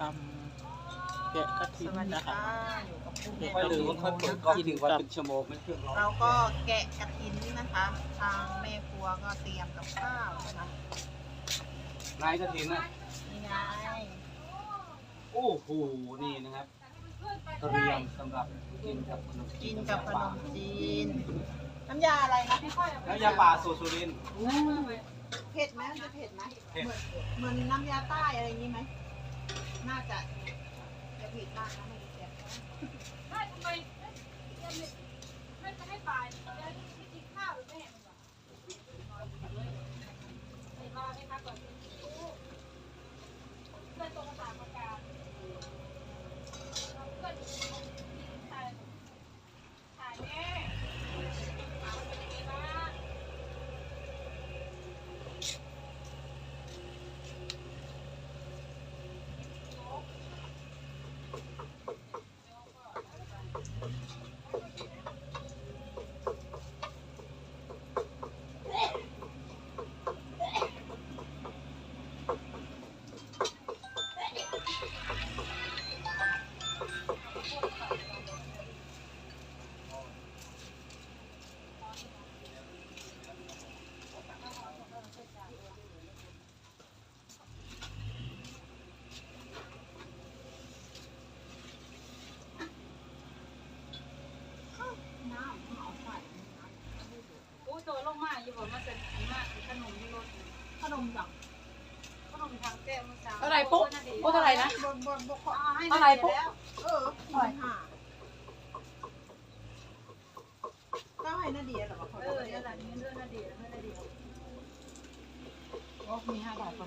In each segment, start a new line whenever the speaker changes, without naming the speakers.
ทำแกะกระถิน
สวัสดี
นะคะ
ค่ะอยู่กับผู้
แกะ
แกะ
กระถิน
ค่อยเปิดกล้องทิ้งไว้เป็นชั่วโมงไม่เครื่องร้อน
เราก็แกะกระถินนะคะ ทางแม่ครัวก็เตรียมกับข้าวนะคะ
นายกระถินนะ
นี่ไง
โอ้โหนี่นะครับเตรียมสำหรับกินกับขนม
กินกับขนมจีนน้ำยาอะไรนะ
แล้วยาป่าสูตรสุรินทร์
เผ็ดไหมมันจะเผ็ดไหม
เผ็ด
เหมือนน้ำยาใต้อะไรอย่างนี้ไหมน่าจะเผ็ดมากนะไม่ได้แซ่บ
ไม่จะให้ป่าจะไม่กินข้าวหรือไม่เห็นหรอเห็นมาไหมคะก่อนเพื่อนตรงสามประการเพื่อนถ่ายแม่ถามเป็นยังไงบ้างอู้ตัวลงมาอยู่บอกมาเสร็จมากขนมที่รถ
ขนมจัง
ขนมทางแก้วเมื่อเช้า
เท่าไหร่ปุ๊ปุ๊เท่าไหร่นะ
บนขอ
ให้
เท่าไหร่ปุ๊
แล้ว45ก็ให้นาเดียเหรอ
เดี๋ยวหลังนี้เรื่องนาเดียเรื่องนาเดีย
โอ้มี5 บาทก่อน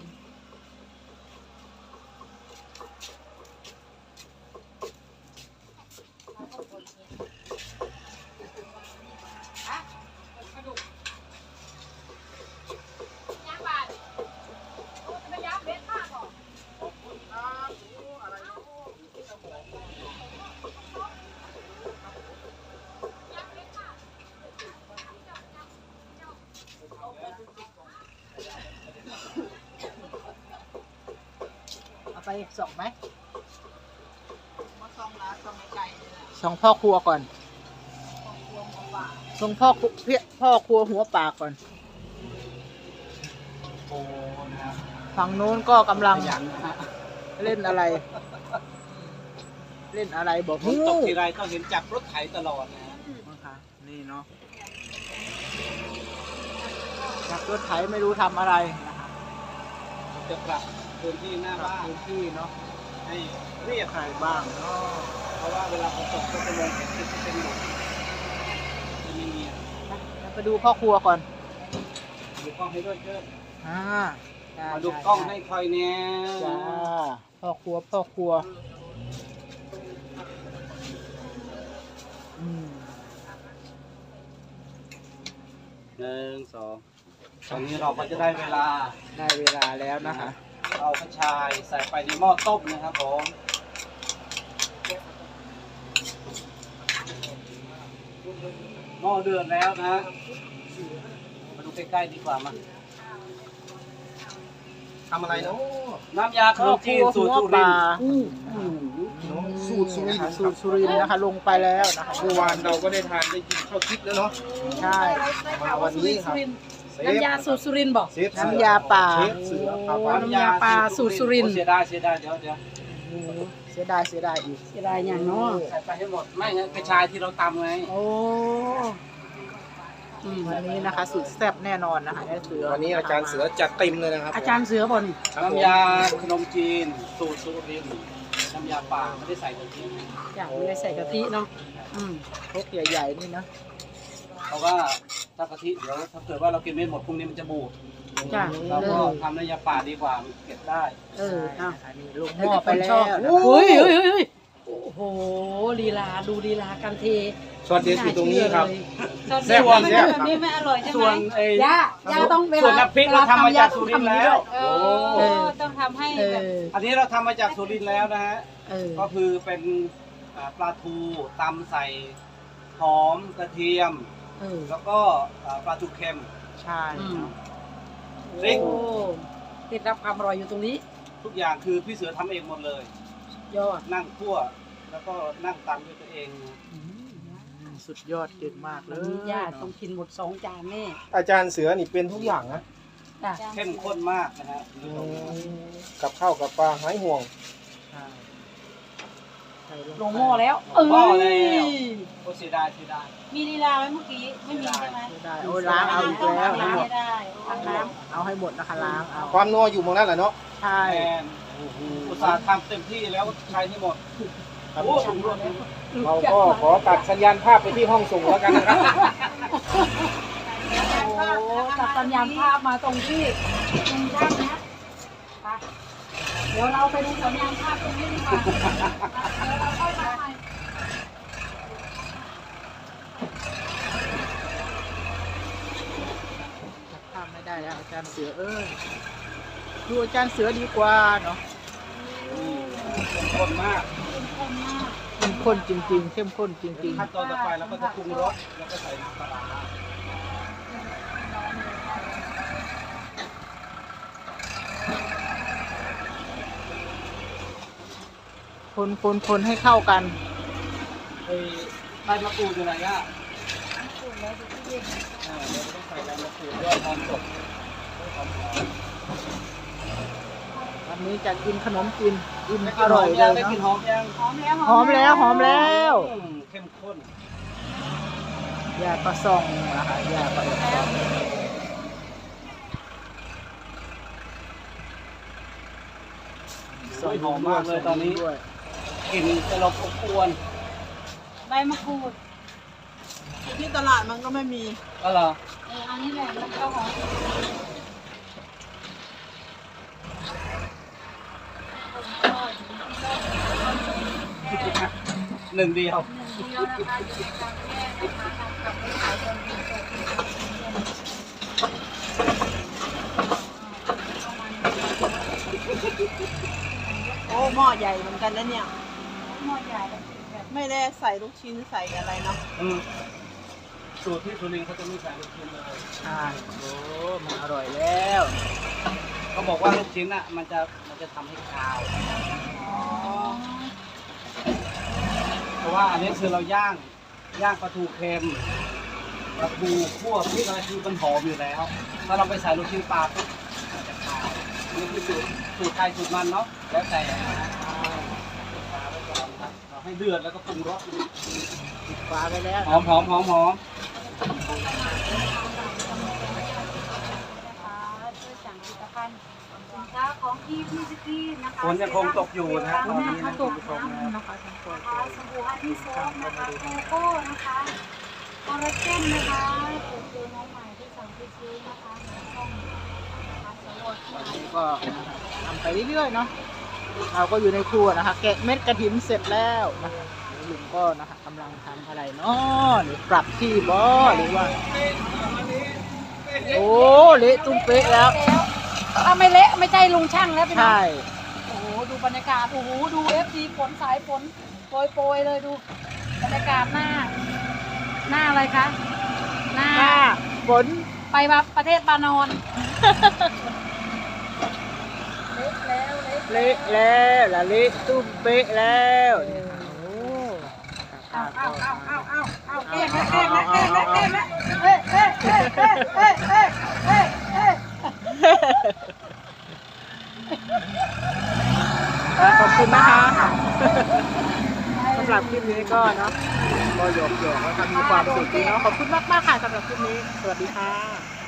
กระดูกย่างบาดโอ้จะไปย่างเบ็ดมากก่อน
เอาไปส่งไหม
มาซองละซองไก่เลยนะ
ส่งพ่อครัวก่อน
ของพวงของหวาน
ส่งพ่อครัวหัวปากก่อน
โอ้นะครับ
ฝั่งนู้นก็กำลัง
ขยันนะฮะ
เล่นอะไร เล่นอะไรบอก
ฝนตกทีไรต้องเห็นจับรถไถตลอดนะฮะ
นะคะนี่เนาะจับรถไถไม่รู้ทำอะไรนะคะ
จะปรับพื้นที่หน้า
ปรับ
บ้าน
พื้นที่เนาะ
ให้เรียบ
ใครบ้างเนาะ
เพราะว่าเวลาฝนตกก็จะมองเห็นที่เป็นหลุมจะไม่มี
ไปดูพ่อครัวก่อน
ดูกล้องให้ด้วยเชิญ
อ่าได้
มาดูกล้องให้คอยแน่
จ้าพ่อครัวอืม
1 2ตอนนี้เราก็จะได้เวลา
ได้เวลาแล้วนะคะ
เอากระชายใส่ไปในหม้อต้มนะครับผมหม้อเดือดแล้วนะมาดูใกล้ๆดีกว่ามาทำอะไรเนาะน้ำยาขนมจีนสูตรสุรินทร์
สูตรสุรินทร์
สูตรสุรินทร์นะคะ ลงไปแล้วนะคะ
เมื่อวานเราก็ได้ทานได้กินข้าวทิพย์แล้วเนาะ
ใช่
มาวันนี้ครับ
น้ำยาสูตรสุรินทร์บอก
เชฟเสือ
น้ำยาป่า
เชฟเสือครับ
น้ำยาปลาสูตรสุรินทร์
เสียดายเสียดายเดี๋ยว
โอ้โหเสียดายอีก
เสียดายอย่างเนาะ
ใส่ไปให้หมดไม่งั้นกระชายที่เราตำไง
โอ้วันนี้นะคะ สุดแซ่บแน่นอนนะคะไอ้เสือ
วันนี้อาจารย์เสือจัดเต็มเลยนะครับ
อาจารย์เสือบน
ครับผม
น้ำยาขนมจีนสูตรสุรินทร์น้ำยาป่าไม่ได้ใส่กะทิ
อย่างไม่ได้ใส่กะทิเนาะ
พกใหญ่ๆนี่นะ
เพราะว่าถ้ากะทิเดี๋ยวถ้าเกิดว่าเรากินไม่หมดพรุ่งนี้มันจะบูด
จ้ะ
เราก็ทำน้ำยาป่าดีกว่ามันเก็บได้
อ่ะ
อันนี้ลงหม้อไปแล้ว
เฮ้ยโอ้โหลีลาดูลีลากันเท
ช็อตเด็ดอยู่ตรงนี้ครับ
แซ่บแบบนี้ไม่อร่อยใช่ไหม
ส่วนไอ้
ย่าต้องเว
ส่วน
ลา
น้ำพริกเราทำมาจากสุรินทร์แล้ว
ต้องทำให้
เอ
แบบ
อ
อันนี้เราทำมาจากสุรินทร์แล้วนะฮะ
เออ
ก็คือเป็นปลาทูตำใส่หอมกระเทียม
เออ
แล้วก็ปลาทูเค็ม
ใช่
พริก
โอ้เคล็ดลับความอร่อยอยู่ตรงนี้
ทุกอย่างคือพี่เสือทำเองหมดเลย
ใ
ยอด
นั่งคั่วแล้วก็นั่งตำด้วยตัวเองนะ
สุดยอดเก่งมากเล
วัน
ย
นี้ย่าต้องกินหมด2 จานแน่
อาจารย์เสือนี่เป็นทุกอย่างนะ
จ้ะ
เข้มข้นมากนะฮะคุณผู้ชม
กับข้าวกับปลาหายห่วง
ใช่ใส่
ลงหม้อแล้ว
หม้อแล้ว
เอ้ย
โอ้เสียดายเสียดาย
มีลีลาไหมเมื่อกี้ไม่มีใช่ไหม
ไม่ได้โอ้ยล้างเอาอีกแล้ว
ล้า
นะ
ง
หมด
ไม่ได้
ล้างน้ำเอาให้หมดนะคะล้างเอา
ความนัวอยู่ตรงนั้นแหละเนาะ
ใช่
แอนอุตส่าห์ทำเต็มที่แล้วใช้ให้หมด
ครับ
โอ้ถุงรวม
เราก็ขอตัดสัญญาณภาพไปที่ห้องส่งแล้วกันนะครับ
โอ้ตัดสัญญาณภาพมาตรงที่ลุงช่างนะไปเดี๋ยวเราไปดูสัญญาณภาพตรงนี้ดีกว่าเดี๋ยวเราค่อยมาใหม่
ทำไม่ได้แล้วอาจารย์เสือดูอาจารย์เสือดีกว่าเนาะ
เข้มข้นมาก
เข้มข้นจริงๆ เข้มข้นจริง
ขั้นตอนต่อไปเราก็จะปรุงรสแล้วก็ใส่น้ำปลาร้า
ๆ คนให้เข้ากัน
เอ้ยใบมะกรูดอยู่ไหนอ่ะเดี๋ยวเราต้องใส่ใบมะกรูดด้วยหอมสดหอม
วันนี้จะกินขนมกินอิ่ม
ได้
อก
ลินห
ร่
อ
อย
ม
เล
ยัง
ย
ได้กลิน
เนาะ
หอมยัง
หอมแล้ว
หอมแล้วหอมแล้ว
เข้มข้น
ยาก็ส่องนะคะยาก็แอบส่อง
โอ้ยหอมมากเลยตอนนี้
ด้วย
กลิ่นจะลบอบอวน
ใบมะกรูดที่ตลาดมันก็ไม่มี
ก็เหรอ
อันนี้แหละมันก็หอม
หนึ่งเดียว
โอ้หม้อใหญ่เหมือนกันนะเนี่ย
หม้อใหญ่
ไม่ได้ใส่ลูกชิ้นใส่อะไรเนาะ
สูตรที่สุรินทร์เขาจะไม่ใส่ลูกชิ้นเลย
ใช่โอ้มันอร่อยแล้ว
เขาบอกว่าลูกชิ้นอ่ะมันจะทำให้คาว เพราะว่าอันนี้คือเราย่างปลาทูเค็มปลาทูคั่วพริกอะไรคือมันหอมอยู่แล้ว ถ้าเราไปใส่ลูกชิ้นปลาปุ๊บมันจะคาวนี่คือสูตรใครสูตรมันเนาะแล้วแต่เราให้เดือดแล้วก็ปรุงรส
ปิดฝาไปแล้ว
หอมหอมหอมหอม
นะคะช่วยสั่งผลิตภัณฑ์สินค้าของพี่สกีนะคะ
ฝนยังคงตกอยู่นะฮะตอนนี้นะ
ต
คุณ
ก
ผู้ชม
น้ำ
นะ
นะคะสบู่ฮันนี่โซฟนะคะโกโก้นะคะคอลลาเจนนะคะเป็นตัวน้องใหม่ที่สั่งไปซื้อนะคะในช่องนะคะสำรวจ
วันนี้ก็ทำไปเรื่อยๆเนาะเราก็อยู่ในครัวนะคะ แกะเม็ดกระถินเสร็จแล้วนะคะลุงก็นะคะกำลังทำอะไรเนาะหรือปรับที่บ่หรือว่า โอ้เละตุ้มเป๊ะแล้ว
ถ้าไม่เละไม่ใช่ลุงช่างแล้วพี่น้อง
ใช่
โอ้โหดูบรรยากาศโอ้โหดูFDฝนสายฝนโปรยๆเลยดูบรรยากาศหน้าอะไรคะหน้า
ถ้าฝน
ไปว่าประเทศบานอน
เละแล้วละเละตุ้มเป๊ะแล้วโอ้
เอาเอ๊ะ
ขอบคุณนะคะสำหรับคลิปนี้ก็เนาะก็หยอกๆแล้วค่ะมีความสุขดีเนาะขอบคุณมากๆค่ะสำหรับคลิปนี้สวัสดีค่ะ